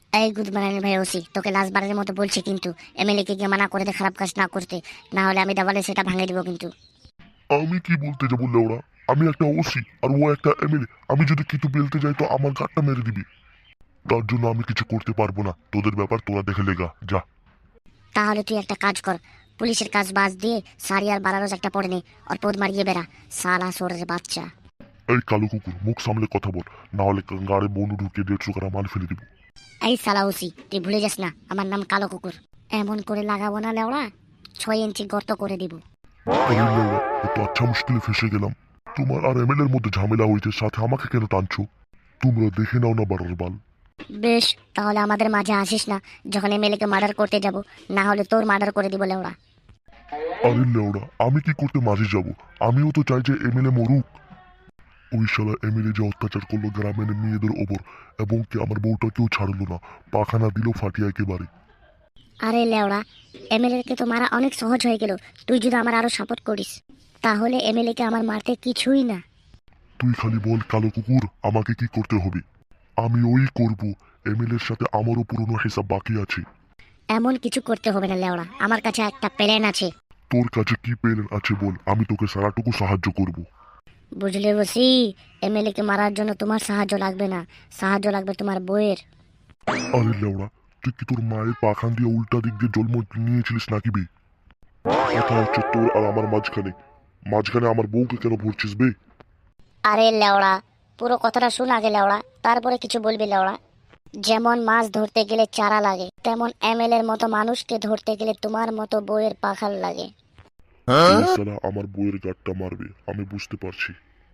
এই গুদমারানি ভাই ওসি, তোকে লাস্ট বারের মতো বলছি কিন্তু এমএলএ কে গিয়ে মানা করে দে খারাপ কাজ না করতে, না হলে আমি দেওয়ালে সেটা ভাঙে দিব কিন্তু। আমি কি বলতে যাবো লেওড়া? আমি একটা ওসি আর ও একটা এমএলএ। আমি যদি কিছু বলতে যাই তো আমার গাঁটটা মেরে দিবি। তার জন্য আমি কিছু করতে পারবো না। তোদের ব্যাপার তোরা দেখে লেগা যা। তাহলে তুই একটা কাজ কর, পুলিশের কাজ বাজ দিয়ে সারি আর বারারোজ একটা পড়ে নে, আর পদ মারিয়ে বেড়া, সালা সোরের বাচ্চা। এই কালো কুকুর, মুখ সামলে কথা বল, না হলে গাড়ি বনু ঢুকিয়ে 150 গ্রাম মাল ফেলে দিব। এই সালা ওসি, তুই ভুলে যাস না আমার নাম কালো কুকুর। এমন করে লাগাবো না লেওড়া, 6 ইঞ্চি গর্ত করে দিব। আরে লেওড়া, এত আচ্ছা মুশকিলে ফেসে গেলাম। তোমার আর এমএলএ এর মধ্যে ঝামেলা হয়েছে, সাথে আমাকে কেন টানছো? তোমরা দেখে নাও না বাড়ার বাল। বেশ, তাহলে আমাদের মাঝে আসিস না যখন এমএলএ কে মার্ডার করতে যাব, না হলে তোর মার্ডার করে দিব লেওড়া। আরে লেওড়া, আমি কি করতে মাঝে যাব? আমিও তো চাই যে এমএলএ মরুক। ওই শালা এমএলএ যে অত্যাচার করলো গ্রামের মেয়েদের ওপর, এবং কি আমার বউটাকেও ছাড়লো না, পাখানা দিল ফাটিয়া একেবারে। আরে লেওড়া, এমএলএ কে তো মারা অনেক সহজ হয়ে গেল, তুই যদি আমার আরো সাপোর্ট করিস তাহলে এমএলএ কে আমার মারতে কিছুই না। তুই খালি বল কালো কুকুর, আমাকে কি করতে হবে? আমি ওই করব। এমএলএ এর সাথে আমারও পুরনো হিসাব বাকি আছে। এমন কিছু করতে হবে না লেওড়া, আমার কাছে একটা প্ল্যান আছে। তোর কাছে কি প্ল্যান আছে বল, আমি তোকে সারাটুকু সাহায্য করব। বুঝলে বসি, এমএলএ কে মারার জন্য তোমার সাহায্য লাগবে না, সাহায্য লাগবে তোমার বইয়ের। আরে লেওড়া, তুই কি তোর মায়ের পাখান দিয়ে উল্টা দিক দিয়ে জন্ম নিয়েছিলিস নাকি বে? কথা হচ্ছে তোর আর আমার মাঝখানে। মাঝখানে আমার বউকে কেন ভরছিস বে? আরে লেওড়া, পুরো কথাটা শুন আগে লেওড়া, তারপরে কিছু বলবি লেওড়া। যেমন মাছ ধরতে গেলে চারা লাগে, তেমন এমএলএর মতো মানুষকে ধরতে গেলে তোমার মতো বইয়ের পাখাল লাগে। এই শালা আমার বউয়ের গাঁটটা মারবে, আমি বুঝতে পারছি।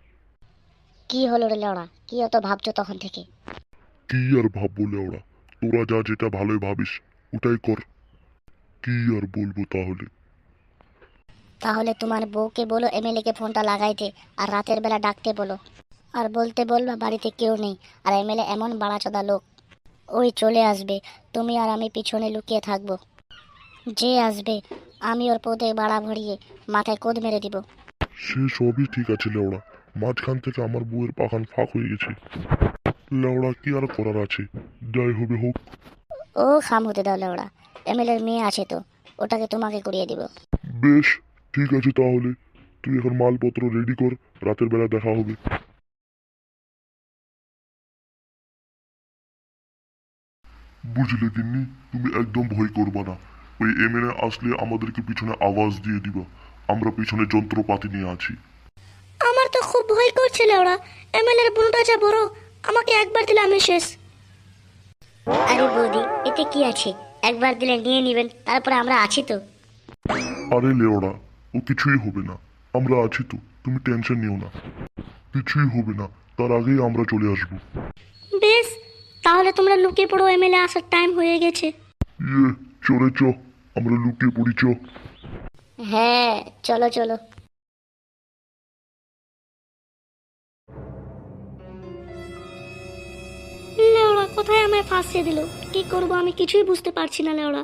কি হলো রে লেওড়া, কি অত ভাবছো তখন থেকে? কি আর ভাববো লেওড়া, তোরা যা যেটা ভালোই ভাবিস ওটাই কর। কি আর বলবো তাহলে? তাহলে তোমার বউকে বলো এমএলএ কে ফোনটা লাগাইতে, আর রাতের বেলা ডাকতে বলো, আর বলতে বলবা বাড়িতে কেউ নেই, আর এমএলএ এমন বাড়াচোদা লোক, ওই চলে আসবে, তুমি আর আমি পিছনে লুকিয়ে থাকবো। যে আসবে আমি ওর পদে বাড়া ভরিয়ে মাথায় কোদ মেরে দিব। সে সবই ঠিক আছে লেওড়া, মাঝখান থেকে আমার বউয়ের পাখান ফাঁক হয়ে গেছে। লেওড়া কি আর করার আছে, যাই হবে হোক। ও খাম হতে দাও লেওড়া, এমএলএর মেয়ে আছে তো, ওটাকে তোমাকে করিয়ে দিব। বেশ, ঠিক আছে তাহলে। তুই এখন মালপত্র রেডি কর, রাতের বেলা দেখা হবে। বুঝলে গিন্নি, তুমি একদম ভয় করবা না। ওই এমএলএ আসলে আমাদেরকে পিছনে আওয়াজ দিয়ে দিবা। আমরা পিছনে যন্ত্রপাতি নিয়ে আছি। আমার তো খুব ভয় করছে লেওড়া, এমএলএর বোনটা যা বড়, আমাকে একবার দিলে আমি শেষ। আরে বৌদি, এতে কি আছে, একবার দিলে নিয়ে নিবেন, তারপরে আমরা আছি তো। আরে লেওড়া, ও কিছুই হবে না, আমরা আছি তো, তুমি টেনশন নিও না। কিছুই হবে না, তার আগেই আমরা চলে আসবো। বেশ, তাহলে তোমরা লুকিয়ে পড়ো, এমএলএ আসার টাইম হয়ে গেছে। ইয়ে, চলে চ, আমরা লুকিয়ে পড়ি চ। হ্যাঁ, চলো চলো। লেওড়া কোথায় আমায় ফাঁসিয়ে দিল, কি করব আমি কিছুই বুঝতে পারছি না লেওড়া।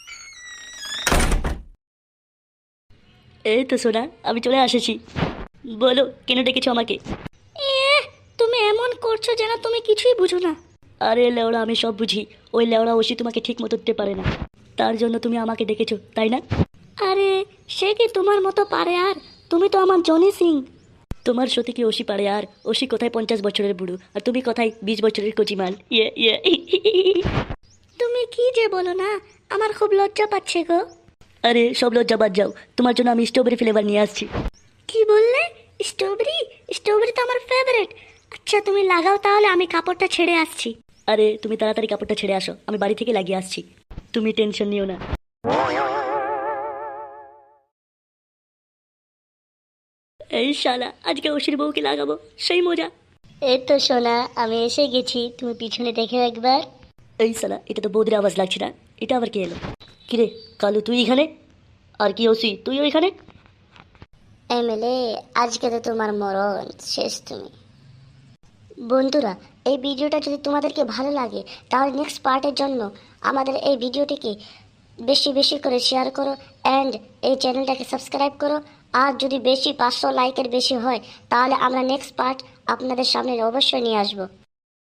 এই তো সোনা, আমি চলে এসেছি। বলো কেন ডেকেছো আমাকে? তুমি এমন করছো যেন তুমি কিছুই বুঝো না। আরে লেওড়া, আমি সব বুঝি। ওই লেওড়া ওষি তোমাকে ঠিক মতো দিতে পারে না, তার জন্য তুমি আমাকে ডেকেছো, তাই না? আরে সে কি তোমার মতো পারে, আর তুমি তো আমার জনি সিং। তোমার সত্যি কি ওষি পারে? আর ওষি কোথায় 50 বছরের বুড়ো, আর তুমি কোথায় 20 বছরের কচিমাল। ইয়ে ইয়ে তুমি কি যে বলো না, আমার খুব লজ্জা পাচ্ছে গো। আরে সব লজ্জা বাদ যাও, তোমার জন্য আমি স্ট্রবেরি ফ্লেভার নিয়ে আসছি। কি বললে? স্ট্রবেরি? স্ট্রবেরি তো আমার ফেভারিট। আচ্ছা তুমি লাগাও তাহলে, আমি কাপড়টা ছেড়ে আসছি। আরে তুমি তাড়াতাড়ি কাপড়টা ছেড়ে আসো, আমি বাড়ি থেকে লাগিয়ে আসছি, তুমি টেনশন নিও না। এই শালা, আজকে ওষির বউকে লাগাবো, সেই মজা। এই তো সোনা, আমি এসে গেছি, তুমি পিছনে দেখে একবার। এই শালা, এটা তো বৌদির আওয়াজ লাগছে না, এটা আবার কে এলো? কিরে কালু, তুই এখানে? আর কি ওসি, তুই ওইখানে? এমএলএ, আজকে তো তোমার মরণ শেষ তুমি। বন্ধুরা, এই ভিডিওটা যদি তোমাদেরকে ভালো লাগে তাহলে নেক্সট পার্টের জন্য আমাদের এই ভিডিওটিকে বেশি বেশি করে শেয়ার করো, অ্যান্ড এই চ্যানেলটাকে সাবস্ক্রাইব করো। আর যদি বেশি 500 লাইকের বেশি হয় তাহলে আমরা নেক্সট পার্ট আপনাদের সামনে অবশ্যই নিয়ে আসবো।